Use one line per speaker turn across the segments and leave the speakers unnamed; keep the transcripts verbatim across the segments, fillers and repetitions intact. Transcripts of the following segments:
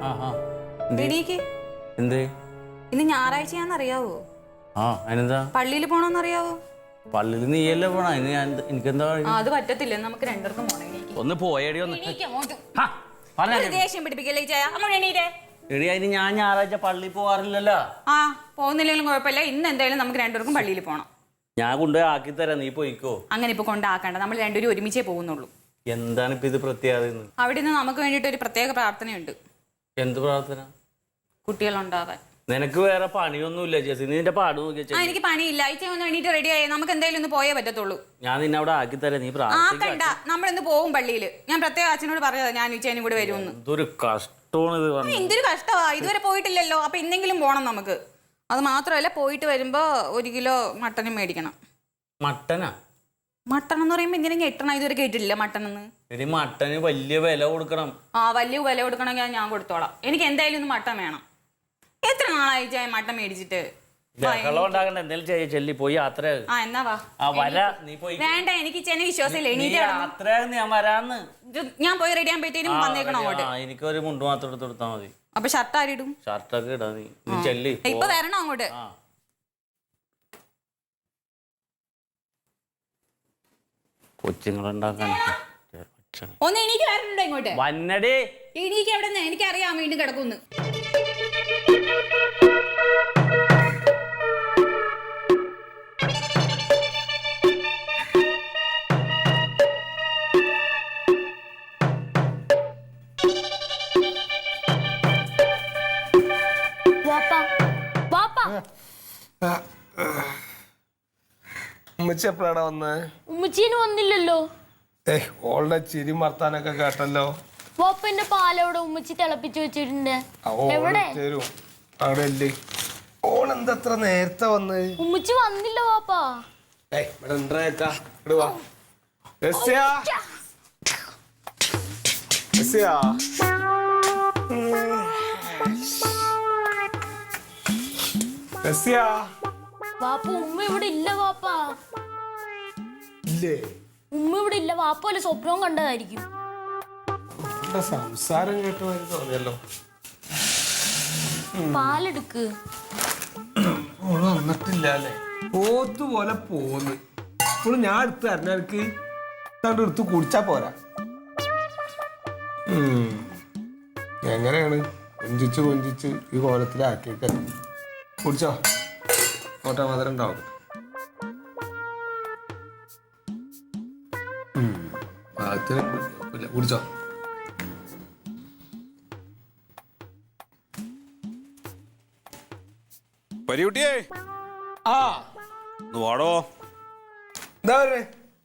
ഇന്ന് ഞായറാഴ്ചയാണെന്നറിയാവോ?
ആ അതിനെന്താ?
പള്ളിയിൽ പോണോന്നറിയാവോ?
പള്ളിയിൽ നീയല്ലേ പോണ? എനിക്കെന്താ?
അത് പറ്റത്തില്ല, നമുക്ക് രണ്ടുപേർക്കും പോണം.
ഒന്ന് പോയടി ഒന്ന്.
ദേഷ്യം പിടിപ്പിക്കല്ലേ
എടി അതിന് ഞാൻ ഞായറാഴ്ച പള്ളിയിൽ പോവാറില്ലല്ലോ.
ആ പോകുന്നില്ലെങ്കിലും കുഴപ്പമില്ല, ഇന്ന് എന്തായാലും നമുക്ക് രണ്ടുപേർക്കും പള്ളിയിൽ പോണം.
ഞാൻ കൊണ്ടുപോയി ആക്കി തരാം, നീ പോയിക്കോ.
അങ്ങനെ ഇപ്പൊ കൊണ്ടാക്കണ്ട, നമ്മൾ രണ്ടുപേരും ഒരുമിച്ചേ പോകുന്നുള്ളൂ.
എന്താണ് ഇപ്പൊ ഇത് പ്രത്യേകത?
അവിടെ നിന്ന് നമുക്ക് വേണ്ടിട്ട് ഒരു പ്രത്യേക പ്രാർത്ഥനയുണ്ട്.
എന്ത് പ്രാർത്ഥന?
കുട്ടികളുണ്ടാവാൻ.
നിനക്ക് വേറെ പണിയൊന്നുമില്ല ചേച്ചി, നീ നിന്റെ പാട് നോക്കിയാ.
എനിക്ക് പണിയില്ല, അയച്ച ഒന്ന് വേണ്ടിട്ട് റെഡി ആയി, നമുക്ക് എന്തായാലും ഒന്ന് പോയേ പറ്റത്തുള്ളൂ.
ഞാൻ നിന്നെ അവിടെ ആക്കി തരാം, നീ
ആക്കണ്ട, നമ്മളിന്ന് പോകും പള്ളിയിൽ. ഞാൻ പ്രത്യേക അച്ഛനോട് പറഞ്ഞതാ ഞാൻ ഉച്ചേനും കൂടെ വരുമെന്ന്.
ഇതൊരു കഷ്ടമാണ് ഇത്.
എന്തൊരു കഷ്ടമാ, ഇതുവരെ പോയിട്ടില്ലല്ലോ. അപ്പൊ എന്തെങ്കിലും പോണം നമുക്ക്. അത് മാത്രമല്ല, പോയിട്ട് വരുമ്പോ ഒരു കിലോ മട്ടനും മേടിക്കണം.
മട്ടനാ?
മട്ടൺ എന്ന് പറയുമ്പോ എന്തിനാ ഞെട്ടണം? ഇതുവരെ കേട്ടിട്ടില്ല മട്ടൺ എന്ന്.
എടി മട്ടന് വലിയ വില കൊടുക്കണം.
ആ വലിയ വില കൊടുക്കണമെങ്കിൽ ഞാൻ കൊടുത്തോളാം. എനിക്ക് എന്തായാലും ഒന്ന് മട്ടൻ വേണം. എത്ര നാളായി മട്ടൻ മേടിച്ചിട്ട്?
ചെല്ലി പോയി യാത്ര.
ആ എന്നാ വാ. വേണ്ട, എനിക്ക് ചെന്നെ വിശ്വാസമില്ല. ഞാൻ പോയി റെഡി ആകുമ്പോഴത്തേനും വന്നേക്കണം അങ്ങോട്ട്.
എനിക്കൊരു മുണ്ട് മാത്രം എടുത്ത് കൊടുത്താൽ മതി.
അപ്പൊ ഷർട്ട് ആരിടും?
ഷർട്ടൊക്കെ ഇടാ നീ. ചെല്ലി
ഇപ്പൊ വരണം അങ്ങോട്ട്.
കൊച്ചുങ്ങളുണ്ടാക്കാൻ
ഒന്ന് എനിക്ക് വരണുണ്ടോ ഇങ്ങോട്ട്?
വന്നടേ.
എനിക്ക് എവിടെ നിന്ന് എനിക്കറിയാം വീണ്ടും കിടക്കുന്നു.
ഉമ്മച്ചി എപ്പോഴാണ് വന്നേ?
ഉമ്മച്ചീന് വന്നില്ലല്ലോ.
ഏയ് ഓളുടെ ചിരി മർത്താനൊക്കെ കേട്ടല്ലോ.
വാപ്പന്റെ പാലോടെ ഉമ്മച്ചി തിളപ്പിച്ചു വെച്ചിട്ടുണ്ട്. എവിടെ?
അവിടെ അല്ലേ. ഓളെന്തത്ര നേരത്തെ വന്ന്?
ഉമ്മച്ചി വന്നില്ല വാപ്പാ.
ഏയ് ഇവിടെ ഉണ്ടാ. ഇവിടെ വാ. രസ്യ രസ്യ രസ്യ.
വാപ്പ ഉമ്മ ഇവിടെ ഇല്ല വാപ്പാ.
ഇല്ലേ?
ഉമ്മ ഇവിടെ ഇല്ല. വാപ്പ വല്ല സ്വപ്നവും കണ്ടതായിരിക്കും.
സംസാരം കേട്ടോ തോന്നിയല്ലോ.
പാലെടുക്ക്.
ഓള് വന്നിട്ടില്ല അല്ലേ? പോത്തുപോലെ പോന്ന്. ഇപ്പോൾ ഞാൻ എടുത്ത് തരണ എനിക്ക് തണ്ട് എടുത്ത് കുടിച്ചാ പോരാ. എങ്ങനെയാണ് കൊഞ്ചിച്ച് കൊഞ്ചിച്ച് ഈ കോലത്തിലാക്കിയൊക്കെ കുടിച്ചോ. കോട്ട മധുരം ഉണ്ടാവും. കുടിച്ചോ.
പരികുട്ടിയേ.
ആ
വാടോ.
എന്താ പറയുക?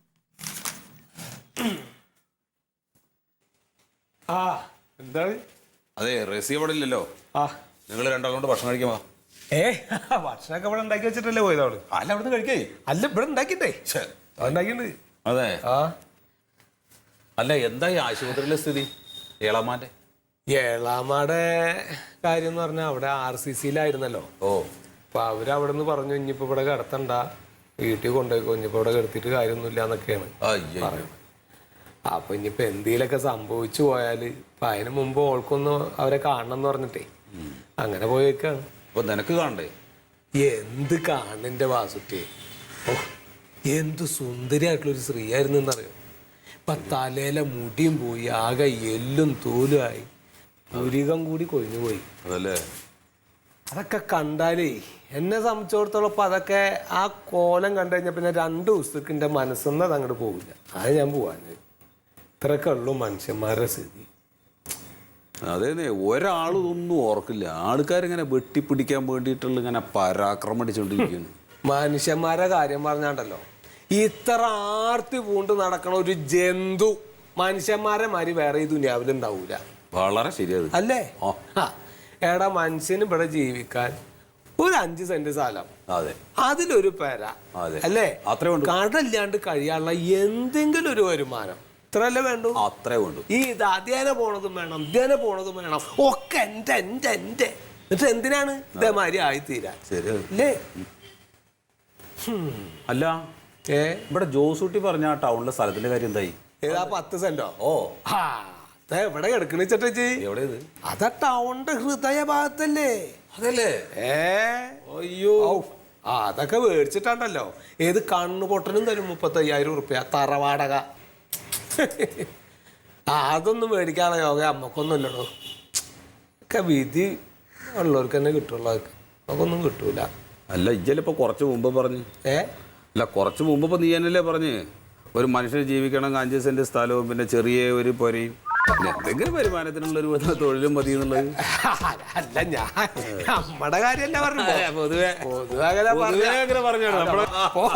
ആ എന്താണ്?
അതെ, റസി അവിടെ ഇല്ലല്ലോ.
ആ
നിങ്ങൾ രണ്ടാളും കൊണ്ട് ഭക്ഷണം കഴിക്കാമോ?
ഏ ഭക്ഷണമൊക്കെ ഇവിടെ ഉണ്ടാക്കി വെച്ചിട്ടല്ലേ പോയത് അവള്?
അല്ല, അവിടെ നിന്ന് കഴിക്കേ.
അല്ല ഇവിടെ ഉണ്ടാക്കിട്ടേ ഉണ്ടാക്കിണ്ട്.
അതെ.
ആ
അല്ല, എന്താ ഈ ആശുപത്രിയിലെ സ്ഥിതി? ഏളാമാന്റെ
ഏളാമാടെ കാര്യം എന്ന് പറഞ്ഞാൽ അവിടെ ആർ സി സിയിലായിരുന്നല്ലോ.
ഓ
അപ്പൊ അവരവിടെ നിന്ന് പറഞ്ഞു ഇനിയിപ്പോ ഇവിടെ കിടത്തണ്ട, വീട്ടിൽ കൊണ്ടുപോയിക്കോ, ഇനിയിപ്പോ ഇവിടെ കിടത്തിയിട്ട് കാര്യമൊന്നുമില്ല എന്നൊക്കെയാണ് പറയുന്നത്. അപ്പൊ ഇനിയിപ്പോ എന്തെങ്കിലുമൊക്കെ സംഭവിച്ചു പോയാല് ഇപ്പൊ അതിന് മുമ്പ് ഓൾക്കൊന്ന് അവരെ കാണണം എന്ന് പറഞ്ഞിട്ടേ അങ്ങനെ പോയേക്കാണ്.
അപ്പൊ നിനക്ക് കാണണ്ടേ?
എന്ത് കാണന്റെ വാസുട്ടി. ഓ എന്ത് സുന്ദരിയായിട്ടുള്ളൊരു സ്ത്രീയായിരുന്നു എന്നറിയോ. ഇപ്പൊ തലയിലെ മുടിയും പോയി, ആകെ എല്ലും തോലുമായി, പുരികം കൂടി കൊഴിഞ്ഞു പോയി.
അതല്ലേ?
അതൊക്കെ കണ്ടാലേ എന്നെ സംബന്ധിച്ചിടത്തോളം ഇപ്പൊ അതൊക്കെ ആ കോലം കണ്ടു കഴിഞ്ഞാൽ പിന്നെ രണ്ടു ദിവസത്തേക്ക് എന്റെ മനസ്സൊന്നും അത് അങ്ങോട്ട് പോവില്ല. അത് ഞാൻ പോവാന്. ഇത്രയൊക്കെ ഉള്ളു മനുഷ്യന്മാരുടെ സ്ഥിതി.
അതേ, ഒരാളൊന്നും ഓർക്കില്ല. ആൾക്കാരിങ്ങനെ വെട്ടിപ്പിടിക്കാൻ വേണ്ടിയിട്ടുള്ള ഇങ്ങനെ പരാക്രമം അടിച്ചോണ്ടിരിക്കുന്നു.
മനുഷ്യന്മാരുടെ കാര്യം പറഞ്ഞാണ്ടല്ലോ, ഇത്ര ആർത്തി പൂണ്ട് നടക്കണ ഒരു ജന്തു മനുഷ്യന്മാരെ മാതിരി വേറെ ഈ ദുനിയാവിലുണ്ടാവൂല.
വളരെ ശരിയത്
അല്ലേ? എടാ, മനുഷ്യന് ഇവിടെ ജീവിക്കാൻ ഒരു അഞ്ച് സെന്റ് സ്ഥലം,
അതെ,
അതിലൊരു പെര, അല്ലേ, കടല്ലാണ്ട് കഴിയാനുള്ള എന്തെങ്കിലും ഒരു വരുമാനം ഇത്രല്ലേ വേണ്ടു?
അത്രേ വേണ്ടു.
ഈ ഇത് അധ്യയന പോണതും വേണം, അധ്യയന പോണതും വേണം, ഒക്കെ എന്റെ എന്റെ എന്റെ എന്നിട്ട് എന്തിനാണ് ഇതേമാതിരി ആയിത്തീരാൻ? അല്ലേ?
അല്ല, ഏ ഇവിടെ ജോസൂട്ടി പറഞ്ഞ ടൗണിലെ സ്ഥലത്തിന്റെ കാര്യം എന്തായി?
ഏതാ? പത്ത് സെന്റോ?
ഓ
ആ എവിടെ കിടക്കണ ചേട്ടച്ചി?
എവിടെ ഇത്?
അതാ ടൗണിന്റെ ഹൃദയ ഭാഗത്തല്ലേ?
അതല്ലേ?
ഏ
അയ്യോ,
ആ അതൊക്കെ മേടിച്ചിട്ടാണ്ടല്ലോ ഏത് കണ്ണു പൊട്ടനും തരും മുപ്പത്തയ്യായിരം ഉറുപ്പ്യ തറവാടക. ആ അതൊന്നും മേടിക്കാനുള്ള യോഗ അമ്മക്കൊന്നും ഇല്ലടോ. ഒക്കെ വിധി ഉള്ളവർക്ക് തന്നെ കിട്ടുള്ളൂ. അതൊക്കെ നമുക്കൊന്നും കിട്ടൂല.
അല്ല ഇജ്ജലിപ്പോ കുറച്ച് മുമ്പ് പറഞ്ഞു.
ഏ
അല്ല കുറച്ച് മുമ്പ് ഇപ്പൊ നീ എന്നല്ലേ പറഞ്ഞ് ഒരു മനുഷ്യന് ജീവിക്കണം അഞ്ച് സെന്റ് സ്ഥലവും പിന്നെ ചെറിയ ഒരു പൊരയും പിന്നെ എന്തെങ്കിലും വരുമാനത്തിനുള്ള ഒരു തൊഴിലും മതി എന്നുള്ളത്.
അല്ല ഞാൻ നമ്മടെ കാര്യല്ല പറഞ്ഞു.
പൊതുവെ
പൊതുവെ അങ്ങനെ
പൊതുവെ അങ്ങനെ പറഞ്ഞാണ് നമ്മളെ.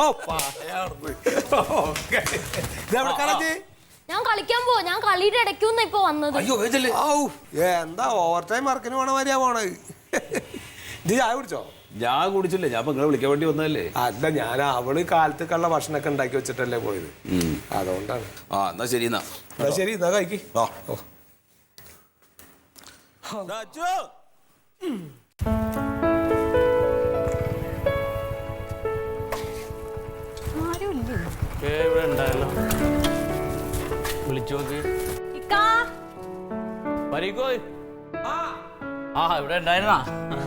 ഞാൻ കളിക്കാൻ പോവാ. ഞാൻ കളിയുടെ ഇടയ്ക്കൊന്നും ഇപ്പൊ വന്നത്.
അയ്യോ വേജല്ലേ.
എന്താ ഓവർ ടൈം വർക്കിന് പോണ മാതിരിയാ പോണത്. ഇത് ചായ കുടിച്ചോ?
ഞാൻ കുടിച്ചില്ല, ഞാൻ ഇപ്പൊ നിങ്ങളെ വിളിക്കാൻ വേണ്ടി വന്നതല്ലേ.
അല്ല ഞാൻ അവള് കാലത്തേക്കുള്ള ഭക്ഷണമൊക്കെ ഉണ്ടാക്കി വെച്ചിട്ടല്ലേ പോയത്, അതുകൊണ്ടാണ്.
ആ എന്നാ ശരി. എന്നാ
എന്നാ ശരി, എന്നാ കഴിക്ക്.
ആ
ഇവിടെ ഉണ്ടായല്ലോ, വിളിച്ചു നോക്ക്. വരിക്കോ. ആ ഇവിടെ ഉണ്ടായിരുന്നാ?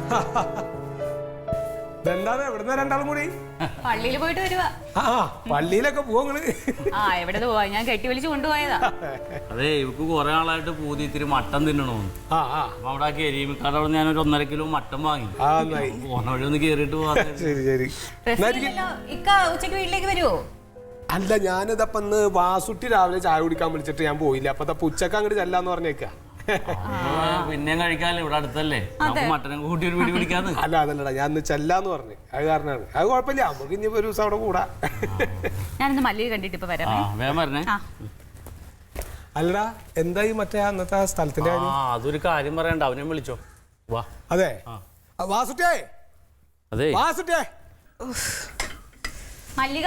ഇതെന്താണ് എവിടുന്ന രണ്ടാളും കൂടി?
പള്ളിയിൽ പോയിട്ട് വരുവാ.
ആ പള്ളിയിലൊക്കെ പോവങ്ങള്?
ആ എവിടെ പോവാ, ഞാൻ കെട്ടി വിളിച്ച് കൊണ്ടുപോയതാ.
അതെ, ഇവക്ക് കുറെ ആളായിട്ട് പൂതി ഇത്തിരി മട്ടൻ തിന്നണോന്ന്.
ആ ആ
അപ്പൊ അവിടെ ആ കരീമിക്കാട് അവിടെ ഞാനൊരു ഒന്നര കിലോ മട്ടൻ വാങ്ങി.
ആ നന്നായി.
പോണ വഴി ഒന്ന് കേറിയിട്ട് പോവാ.
ശരി ശരി.
ഇക്ക ഉച്ചക്ക് വീട്ടിലേക്ക് വരുവോ?
അല്ല ഞാനിതപ്പൊ ഇന്ന് വാസുട്ടി രാവിലെ ചായ കുടിക്കാൻ വിളിച്ചിട്ട് ഞാൻ പോയില്ല. അപ്പൊ ഉച്ചക്ക് അങ്ങോട്ട് ചെല്ലാന്ന് പറഞ്ഞേക്കാ.
പിന്നെയും കഴിക്കാല്ലോ, ഇവിടെ അടുത്തല്ലേ, നമുക്ക് മട്ടനും കൂട്ടി ഒരു പിടി പിടിക്കാന്ന്.
അല്ല അതല്ലടാ, ഞാൻ ഇന്ന് ചെല്ലാന്ന് പറഞ്ഞു, അത് കാരണമാണ്. അത് കുഴപ്പമില്ല, നമുക്ക് ഇനി ഒരു ദിവസം അവിടെ കൂടാ.
ഞാനിന്ന് മല്ലിക കണ്ടിട്ട് ഇപ്പൊ വരാം.
വേഗം വരണേ.
അല്ലടാ എന്തായി മറ്റേ അന്നത്തെ ആ സ്ഥലത്തിന്റെ കാര്യം?
ആ അതൊരു കാര്യം പറയണ്ട, അവനെ വിളിച്ചോ. വാ.
അതെ വാസുട്ടിയേ,
അതെ
വാസുട്ടിയേ.
മല്ലിക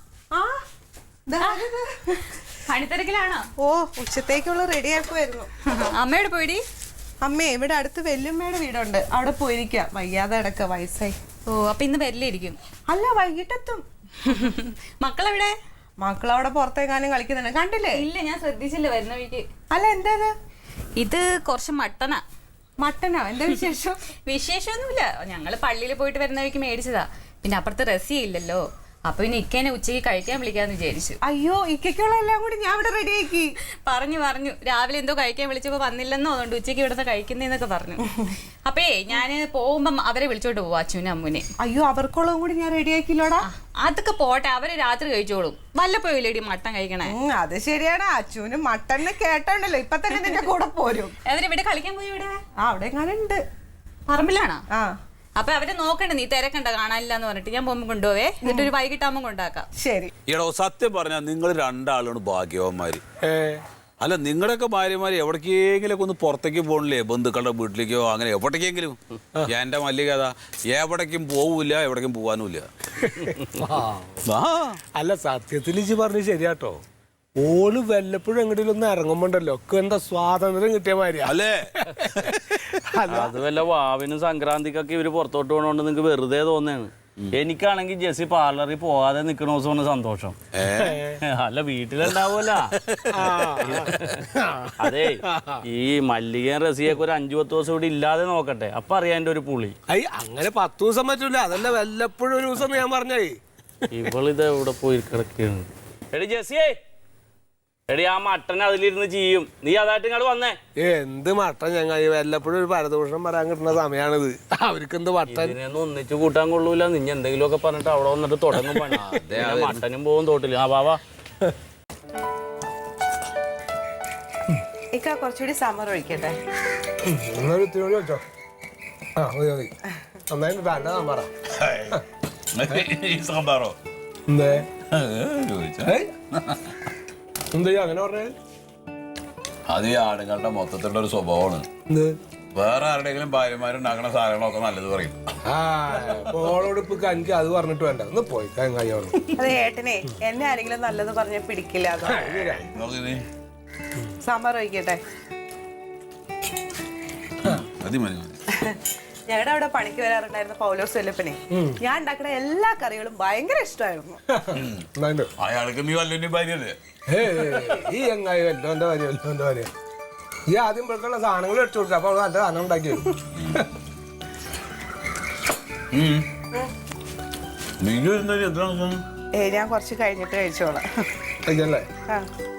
പണിത്തിരക്കിലാണോ?
ഓ ഉച്ചത്തേക്കുള്ള റെഡി ആക്കുമായിരുന്നു.
അമ്മയോട് പോയിടി.
അമ്മേ ഇവിടെ അടുത്ത് വെല്ലുമ്മയുടെ വീടുണ്ട്, അവിടെ പോയിരിക്കുക. വയ്യാതെ അടക്ക, വയസ്സായി.
ഓ അപ്പൊ ഇന്ന് വരില്ലായിരിക്കും.
അല്ല വൈകിട്ടെത്തും.
മക്കളെവിടെ?
മക്കളവിടെ പുറത്തേക്കാനും കളിക്കുന്നുണ്ട്, കണ്ടില്ലേ?
ഇല്ല, ഞാൻ ശ്രദ്ധിച്ചില്ല വരുന്ന വീട്ടിൽ.
അല്ല എന്താ
ഇത് കുറച്ച് മട്ടനാ.
മട്ടനോ? എന്താ വിശേഷം?
വിശേഷമൊന്നുമില്ല, ഞങ്ങള് പള്ളിയിൽ പോയിട്ട് വരുന്ന വഴിക്ക് മേടിച്ചതാ. പിന്നെ അപ്പുറത്ത് റസിയ ഇല്ലല്ലോ, അപ്പൊ പിന്നെ ഇക്കേനെ ഉച്ചയ്ക്ക് കഴിക്കാൻ വിളിക്കാന്ന് വിചാരിച്ചു.
അയ്യോ ഇക്കുള്ള എല്ലാം കൂടി ഞാൻ ഇവിടെ റെഡി ആക്കി.
പറഞ്ഞു പറഞ്ഞു രാവിലെ എന്തോ കഴിക്കാൻ വിളിച്ചപ്പോ വന്നില്ലെന്നോ, അതുകൊണ്ട് ഉച്ചയ്ക്ക് ഇവിടുത്തെ കഴിക്കുന്നേന്നൊക്കെ പറഞ്ഞു. അപ്പേ ഞാന് പോകുമ്പം അവരെ വിളിച്ചോട്ട് പോവാ, അച്ഛനും അമ്മൂനെ.
അയ്യോ അവർക്കുള്ളതും കൂടി ഞാൻ റെഡി ആക്കില്ലോടാ.
അതൊക്കെ പോട്ടെ, അവര് രാത്രി കഴിച്ചോളും. വല്ലപ്പോയില്ലേടി മട്ടൻ കഴിക്കണേ.
അത് ശരിയാണ്, അച്ഛനും മട്ടനെ കേട്ടോണ്ടല്ലോ ഇപ്പൊ തന്നെ നിന്റെ കൂടെ പോരും.
അവരിവിടെ കളിക്കാൻ പോയി. ഇവിടെ
ആ അവിടെ എങ്ങനെ ഉണ്ട്?
പറമ്പിലാണോ?
ആ
അപ്പൊ അവരെ നോക്കണ്ട, നീ തിരക്കണ്ട, കാണാനില്ലാന്ന് പറഞ്ഞിട്ട് ഞാൻ പോകുമ്പോ കൊണ്ടുപോവേ, എന്നിട്ട് ഒരു വൈകിട്ടാകുമ്പോ കൊണ്ടാക്കാം.
ശരി.
ഈടോ സത്യം പറഞ്ഞാൽ നിങ്ങൾ രണ്ടാളാണ് ഭാഗ്യവന്മാര്. അല്ല നിങ്ങളുടെയൊക്കെ ഭാര്യമാര് എവിടേക്കെങ്കിലും ഒന്ന് പുറത്തേക്ക് പോകണില്ലേ, ബന്ധുക്കളുടെ വീട്ടിലേക്കോ അങ്ങനെ എവിടേക്കെങ്കിലും. എന്റെ മല്ലിക കഥ എവിടേക്കും പോവില്ല, എവിടേക്കും പോവാനുമില്ല.
അല്ല സത്യത്തിൽ ഇജ്ജ് പറഞ്ഞു ശരിയാട്ടോ. ഓള് വല്ലപ്പോഴും എങ്ങോട്ടും ഒന്ന് ഇറങ്ങുമ്പോണ്ടല്ലോ ഒക്കെ എന്താ സ്വാതന്ത്ര്യം കിട്ടിയ മാതിരിയാ
അല്ലേ?
അത് വല്ല വാവിനും സംക്രാന്തിക്കൊക്കെ ഇവര് പുറത്തോട്ട് പോകണോണ്ട് നിങ്ങക്ക് വെറുതെ തോന്നാണ്. എനിക്കാണെങ്കിൽ ജെസ്സി പാർലറിൽ പോകാതെ നിക്കണ ദിവസമാണ് സന്തോഷം. അല്ല വീട്ടിലുണ്ടാവൂല. അതെ ഈ മല്ലികയും റസിയൊക്കെ ഒരു അഞ്ചു പത്ത് ദിവസം ഇവിടെ ഇല്ലാതെ നോക്കട്ടെ, അപ്പൊ അറിയാൻ എന്റെ ഒരു പുളി.
അയ്യ അങ്ങനെ പത്ത് ദിവസം പറ്റൂല, അതല്ല വല്ലപ്പോഴും ഒരു ദിവസം ഞാൻ പറഞ്ഞേ.
ഇവളിത് എവിടെ പോയി കിടക്കുകയാണ്. എടി ജെസ്സിയേ, എടി ആ മട്ടൻ അതിലിരുന്ന് ചെയ്യും, നീ അതായിട്ട് ഇങ്ങോട്ട് വന്നേ.
എന്ത് മട്ടൻ ഞങ്ങൾ വല്ലപ്പോഴും ഒരു പരദൂഷണം പറയാൻ കിട്ടുന്ന സമയമാണിത്. അവർക്ക് എന്ത് മട്ടൻ
ഇതിനൊന്നും ഒന്നിച്ച് കൂട്ടാൻ കൊള്ളൂല. നിന്നെ എന്തെങ്കിലും ഒക്കെ പറഞ്ഞിട്ട് അവിടെ വന്നിട്ട് തുടങ്ങും പണി. മട്ടനും പോകും തോട്ടില്ല. ആ വാവാ.
ഇക്ക കുറച്ചുകൂടി സമർ ഒഴിക്കട്ടെ.
വെച്ചോ. ആ മതി മതി, നന്നായിട്ട് വേണ്ട സാമ്പാറ.
സാമ്പാറോ?
എന്തേ എന്താ അങ്ങനെ പറഞ്ഞത്?
അത് ഈ ആണുങ്ങളുടെ മൊത്തത്തിലുള്ള ഒരു സ്വഭാവമാണ്. വേറെ ആരുടെയെങ്കിലും ഭാര്യമാരുണ്ടാക്കുന്ന സാധനങ്ങളൊക്കെ നല്ലത് പറയും.
ആ ഓളോട് ഇപ്പൊ എനിക്ക് അത് പറഞ്ഞിട്ട് വേണ്ട, ഒന്ന് പോയി കയ്യോളൂ.
അതെ ഏട്ടനെ എന്നെ ആരെങ്കിലും നല്ലത് പറഞ്ഞ പിടിക്കില്ല. സാമ്പാർ ഒഴിക്കട്ടെ.
മതി മതി മതി.
ഞങ്ങളുടെ അവിടെ പണിക്ക് വരാറുണ്ടായിരുന്ന പൗലോസ് വല്ലപ്പനെ ഞാൻ ഉണ്ടാക്കുന്ന എല്ലാ കറികളും ഭയങ്കര ഇഷ്ടമായിരുന്നു.
അയാൾക്ക് നീ വല്ലോന്റെ ഭാര്യല്ലേ?
ഈ എങ്ങായി വല്ലോന്റെ ഭാര്യ വല്ലോന്റെ ഭാര്യ ഈ ആദ്യം ഇപ്പോഴേക്കുള്ള സാധനങ്ങൾ എടുത്തു കൊടുത്തു അപ്പൊ നല്ല സാധനം ഉണ്ടാക്കി വരും.
മിനു ഇരുന്നൊരു എന്താണ്
ഏ ഞാൻ കുറച്ച് കഴിഞ്ഞിട്ട് കഴിച്ചോളാം.
കഴിക്കല്ലേ?
ആ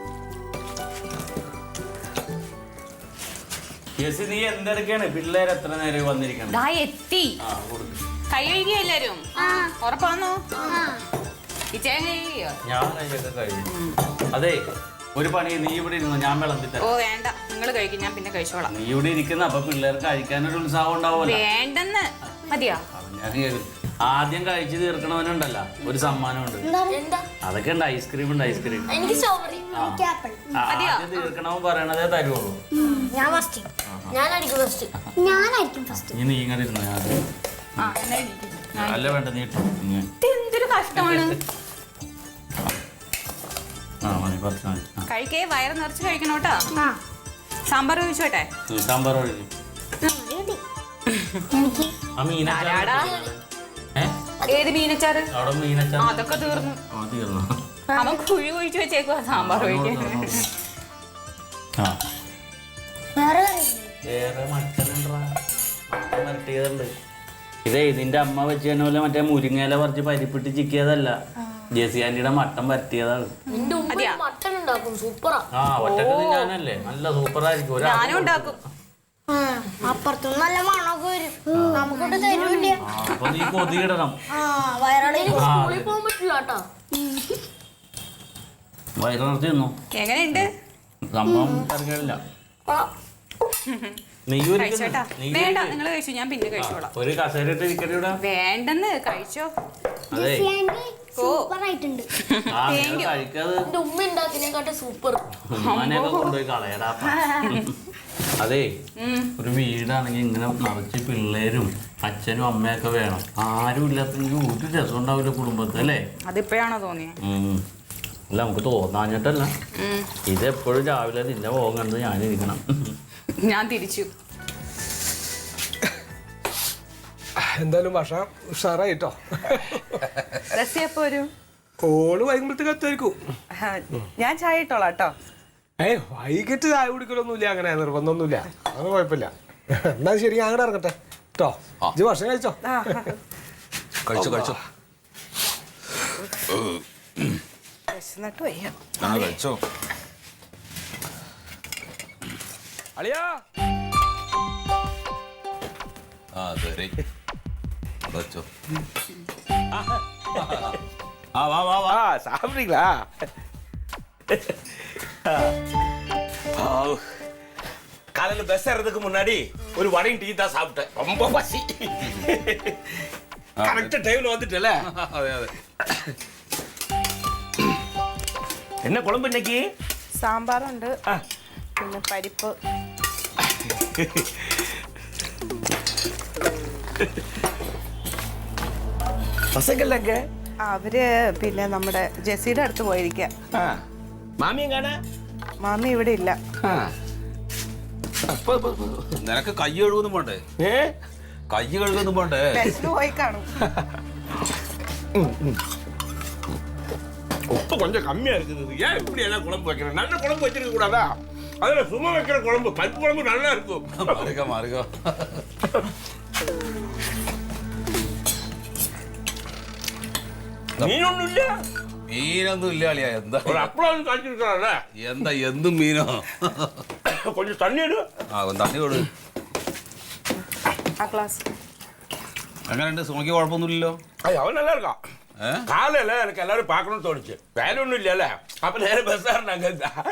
ജെസ്സി നീ എന്തെടുക്കാണ് പിള്ളേർ എത്ര നേരം വന്നിരിക്കണം?
ദാ എത്തി.
ആ കൊടുക്ക്.
കൈ കഴുകിയോ എല്ലാരും? ഉറപ്പാന്നോ? കിച്ചൻ കഴുകിയോ?
ഞാൻ കഴിയൊക്കെ കഴിഞ്ഞു. അതെ ഒരു പണി, നീ ഇവിടെ ഇരുന്നു, ഞാൻ വിളമ്പി
ഓ
തരാം.
വേണ്ട, നിങ്ങൾ കഴിക്കും, ഞാൻ പിന്നെ കഴിച്ചോളാം.
നീ ഇവിടെ ഇരിക്കുന്ന അപ്പൊ പിള്ളേർക്ക് കഴിക്കാനൊരു ഉത്സാഹം ഉണ്ടാവുമല്ലോ.
വേണ്ടെന്ന് മതിയോ?
ഞാൻ കേറി. ആദ്യം കഴിച്ചു തീർക്കണവനുണ്ടല്ല ഒരു സമ്മാനമുണ്ട്.
എന്താ?
അതൊക്കെ ഉണ്ട്, ഐസ്ക്രീം ഉണ്ട്, ഐസ്ക്രീം.
എനിക്ക് സ്ട്രോബെറി.
ആ.
എനിക്ക് ആപ്പിൾ.
ആ, ആദ്യം തീർക്കണവൻ പറയണതേ തരുള്ളൂ.
ഞാൻ ഫസ്റ്റ്. ഞാനായിരിക്കും ഫസ്റ്റ്. ഞാനായിരിക്കും ഫസ്റ്റ്.
നീ നീ ഇങ്ങനെ ഇരുന്നു.
ആ എന്നാ ഇരിക്ക്.
അല്ല വേണ്ട, നീ ഇട്ടോ. ഇങ്ങനെ.
ഇത് എന്തൊരു കഷ്ടമാണ്.
ആ മതി, കുറച്ച് മതി. ആ.
കഴിക്കേ, വയറ് നിറച്ച് കഴിക്കണോട്ടാ. സാമ്പാർ ഒഴിച്ചോട്ടെ?
ഉം, സാമ്പാർ ഒഴിക്കും. ആ മീനച്ചാറ്
ആരാടാ?
ഏ?
ഏത് മീനച്ചാറ്?
അവിടെ മീനച്ചാറ്.
അതൊക്കെ തീർന്നു.
ആ, തീർന്നു.
അവൻ കുഴി ഒഴിച്ചു വെച്ചേക്കുവാ സാമ്പാർ ഒഴിക്കാൻ.
ആ
വേറെ
വേറെ മട്ടനുണ്ടാ, മട്ടൻ വരട്ടിയതുണ്ട്. ഇതേ നിന്റെ അമ്മ വെച്ച് തന്നെ പോലെ മറ്റേ മുരിങ്ങയില പറിച്ച് പരിപ്പിട്ട് ചിക്കിയതല്ല, ജെസി ആന്റിയുടെ മട്ടൻ വരട്ടിയതാണ്.
നിന്റെ ഉമ്മ മട്ടൻ ഉണ്ടാക്കും, സൂപ്പറാ.
ആ ഒറ്റക്ക് തിന്നാനല്ലേ, നല്ല സൂപ്പറായിരിക്കും. ഒരാൾ
ഞാനും ഉണ്ടാക്കും.
അപ്പുറത്തും നല്ല മണമൊക്കെ വരും, നമുക്കിട്ട് തരൂല്ല.
അപ്പൊ നീ കൊതിയിടണം.
സ്കൂളിൽ പോകാൻ പറ്റില്ല കേട്ടോ.
വയറ് നിറച്ച് തിന്നു.
എങ്ങനെയുണ്ട്?
സംഭവം അറിഞ്ഞില്ല. നീ ഒരു
കഴിച്ചോട്ടാ?
നീ
വേണ്ട, നിങ്ങൾ കഴിച്ചു, ഞാൻ പിന്നെ കഴിച്ചോളാം.
ഒരു കസേര ഇട്ട് ഇരിക്കട്ടെ ഇവിടെ.
വേണ്ടെന്ന് കഴിച്ചോ.
അതെ
സൂപ്പറായിട്ടുണ്ട്.
ആ നിങ്ങൾ കഴിക്കാതെ
എന്റെ ഉമ്മ ഉണ്ടാക്കിനേക്കാട്ടെ സൂപ്പർ.
ഉമ്മാനെയൊക്കെ കൊണ്ടുപോയി കളയടാ. അതെ ഒരു വീടാണെങ്കിൽ ഇങ്ങനെ നിറച്ച് പിള്ളേരും അച്ഛനും അമ്മയൊക്കെ വേണം. ആരും ഇല്ലാത്തെങ്കിൽ ഒരു രസം ഉണ്ടാവില്ല കുടുംബത്തിൽ, അല്ലേ?
അതിപ്പോഴാണോ തോന്നിയത്?
ഉം. അല്ല നമുക്ക് തോന്നാഞ്ഞിട്ടല്ല, ഇതെപ്പോഴും രാവിലെ നിന്റെ പോകാൻ കണ്ട് ഞാനിരിക്കണം.
ഞാൻ തിരിച്ചു.
എന്തായാലും ഭക്ഷണം ഉഷാറായിട്ടോ.
റസി എപ്പോ വരും?
ഓള് വൈകുമ്പോഴത്തേക്ക് എത്തുമായിരിക്കും.
ആ, ഞാൻ ചായ ഇട്ടോളാം കേട്ടോ.
ഏയ് വൈകിട്ട് ചായ കുടിക്കലൊന്നുമില്ല, അങ്ങനെ നിർബന്ധമൊന്നുമില്ല, അങ്ങനെ കുഴപ്പമില്ല. എന്നാ ശരി, ഞാൻ അങ്ങോട്ട് ഇറങ്ങട്ടെ കേട്ടോ. ഇജ്ജ് ഭക്ഷണം കഴിച്ചോ?
ആ
കഴിച്ചോ കഴിച്ചോ
വിശന്നിട്ട് വയ്യ.
ആ കഴിച്ചോ.
അളിയാ
ആ ശരി കഴിച്ചോ. ആ വാ വാ വാ.
ஆ சாப்பிட்றீங்களா? காலையில் பஸ் ஏறதுக்கு முன்னாடி ஒரு வடையும் டீ தான் சாப்பிட்டேன், ரொம்ப பசி. கரெக்டாக டைமில் வந்துட்டல.
അതെ അതെ.
என்ன குழம்பு இன்னைக்கு?
സാമ്പാറുണ്ട്, പിന്നെ പരിപ്പ്.
பசங்கள் எங்க?
അവര് പിന്നെ നമ്മുടെ ജെസ്സിയുടെ അടുത്ത് പോയിരിക്കാം.
മാമിയും കാണാ?
മാമി ഇവിടെ ഇല്ല.
നിനക്ക് കൈ കഴുകൊന്നും പോണ്ടേ? കൈ കഴുകൊന്നും പോണ്ടേ?
ബസ്സിന് പോയി കാണും.
உப்பு கொஞ்சம் கம்மியா இருக்குது, ஏன் இப்படி எல்லாம் குழம்பு வைக்கிறேன்? நல்ல குழம்பு வச்சிருக்க கூடாதா? அதுல சும்மா வைக்கிற குழம்பு, பருப்பு குழம்பு நல்லா இருக்கும்.
മാറുക മാറുക.
மீனொன்னும் இல்ல,
മീനൊന്നും ഇല്ല അളിയാ. എന്താ
ஒரு அப்பளம் காய்ச்சிருக்கிறான்ல,
എന്താ എന്തും മീനോ?
கொஞ்சம் தண்ணி எடு.
ആ തണ്ണി കൊടു.
ആ ക്ലാസ്
എങ്ങനെയുണ്ട്? സുമയ്ക്ക് കുഴപ്പമൊന്നുമില്ലല്ലോ?
ஐய், அவன் நல்லா இருக்கான். காலையில எனக்கு எல்லாரும் பார்க்கணும்னு தோணுச்சு, வேலை ஒன்றும் இல்லைல்ல, அப்ப நேரம் பஸ் ஏறினாங்க.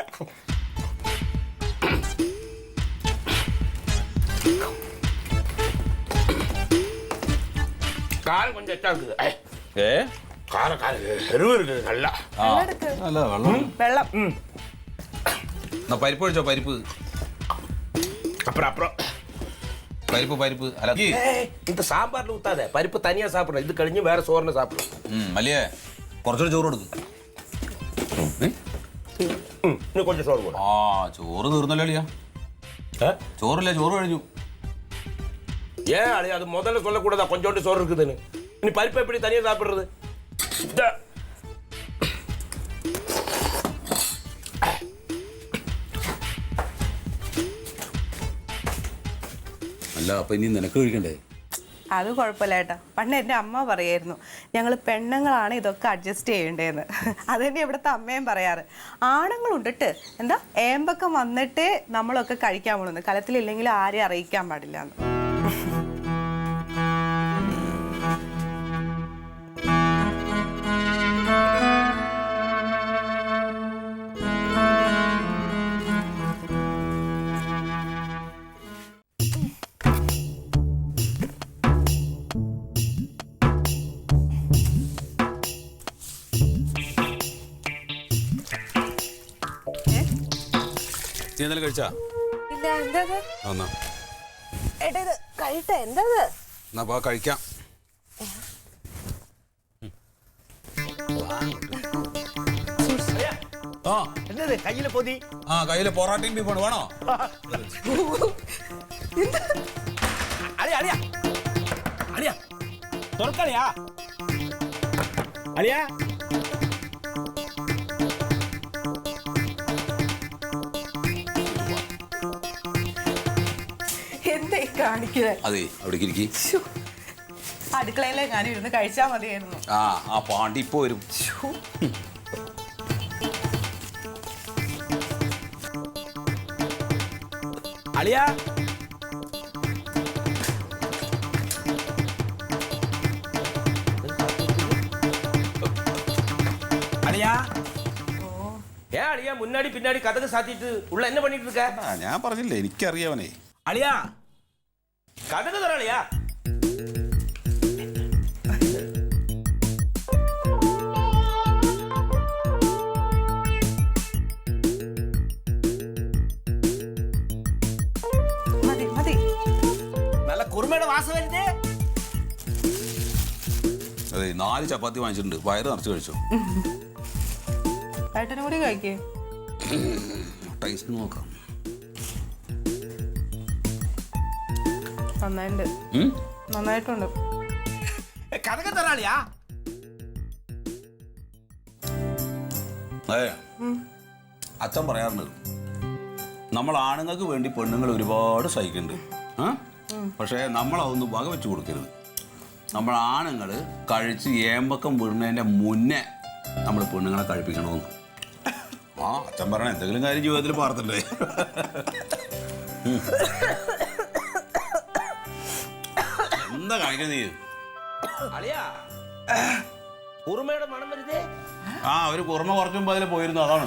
காரம் கொஞ்சம் எச்சா இருக்குது. ஐய்,
ഏ
காரம் காரம் எருவு இருக்குது நல்லா.
ആ അല്ല വെള്ളം.
വെള്ളം.
എന്നാ പരിപ്പ് കഴിച്ചോ, പരിപ്പ്
அப்புறம் அப்புறம்
പരിപ്പ് പരിപ്പ് അല്ല ഈ
ஏய், இந்த சாம்பார்ல ஊத்தாத, பருப்பு தனியா சாப்பிடணும், இது கழிஞ்சு வேற சோறுன்னு சாப்பிடணும்.
ഉം, മല്ലിയേ കുറച്ചുകൂടി ചോറ് കൊടുക്ക്.
ம், இன்னும் கொஞ்சம் சோறு போடும்.
ആ ചോറ് തീർന്നല്ലോ അളിയാ. ചോറില്ല, ചോറ് കഴിഞ്ഞു.
ஏன் அழியா, அது முதல்ல சொல்லக்கூடாதா கொஞ்சோண்டு சோறு இருக்குதுன்னு? நீ பருப்பு எப்படி தனியா சாப்பிடுறது? இந்த
അല്ല അപ്പൊ ഇനി നിനക്ക് കഴിക്കണ്ടേ?
അത് കുഴപ്പമില്ല ഏട്ടാ. പണ്ട് എൻ്റെ അമ്മ പറയായിരുന്നു ഞങ്ങൾ പെണ്ണുങ്ങളാണ് ഇതൊക്കെ അഡ്ജസ്റ്റ് ചെയ്യേണ്ടതെന്ന്. അത് തന്നെ ഇവിടുത്തെ അമ്മയും പറയാറ്. ആണുങ്ങളുണ്ടിട്ട് എന്താ ഏമ്പക്കം വന്നിട്ടേ നമ്മളൊക്കെ കഴിക്കാൻ പോണെന്ന്, കലത്തിലില്ലെങ്കിൽ ആരെയും അറിയിക്കാൻ പാടില്ല എന്ന്.
നീ എന്തെങ്കിലും കഴിച്ചാ?
ഇല്ല, എന്താ
എന്നാ
ഏട്ടാ ഇത് കഴിട്ടെ, എന്താ
എന്നാ പോ കഴിക്കാം. ആ
എന്നത് കയ്യിലെ പൊതി?
ആ കയ്യില് പൊറാട്ടയും ബീഫാണ്, വേണോ?
അളിയ അളിയ അളിയ തുറക്കളിയാ അളിയ.
എന്താ കാണിക്കുന്നത്?
അതെ അവിടേക്ക് ഇരിക്കി.
അടുക്കളയിലെ ഞാൻ ഇരുന്ന് കഴിച്ചാൽ മതിയായിരുന്നു.
ആ ആ പാണ്ടി ഇപ്പൊ വരും.
അളിയ அழியா ஏன் அழியா முன்னாடி பின்னாடி கதவு சாத்திட்டு உள்ள என்ன பண்ணிட்டு இருக்க?
ഞാൻ പറഞ്ഞില്ലേ എനിക്കറിയാവനെ.
அழியா கதவு தர அழியா.
മതി മതി.
நல்ல குருமையோட வாசம் வருது.
അതെ നാല് ചപ്പാത്തി വാങ്ങിച്ചിട്ടുണ്ട്, വയറ് നിറച്ച് കഴിച്ചു.
ഏട്ടനും കൂടി കഴിക്കേ.
ടേസ്റ്റ് നോക്കാം.
നന്നായിട്ടുണ്ട്, നന്നായിട്ടുണ്ട്.
കഥക തരാളിയാ.
അതെ അച്ഛൻ പറയാറുണ്ട് നമ്മൾ ആണുങ്ങൾക്ക് വേണ്ടി പെണ്ണുങ്ങൾ ഒരുപാട് സഹിക്കുന്നുണ്ട്, പക്ഷേ നമ്മളതൊന്നും വക വെച്ച് കൊടുക്കരുത്. നമ്മൾ ആണുങ്ങൾ കഴിച്ച് ഏമ്പക്കം വീഴുന്നതിൻ്റെ മുന്നേ നമ്മൾ പെണ്ണുങ്ങളെ കഴിപ്പിക്കണമെന്ന്. ആ അച്ഛൻ പറയണ എന്തെങ്കിലും കാര്യം ജീവിതത്തിൽ പാർത്തിണ്ടേ. എന്താ കാണിക്കണ നീ?
അളിയാ കുറുമയുടെ മണം വരുതേ.
ആ ഒരു കുറുമ കുറച്ചുമ്പോ അതിൽ പോയിരുന്നു, അതാണ്.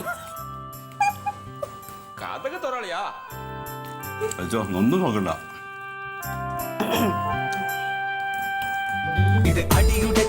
കഥക തൊറാളിയാ.
വെച്ചോ ഒന്നും നോക്കണ്ട.
ഇത് അടിയുടെ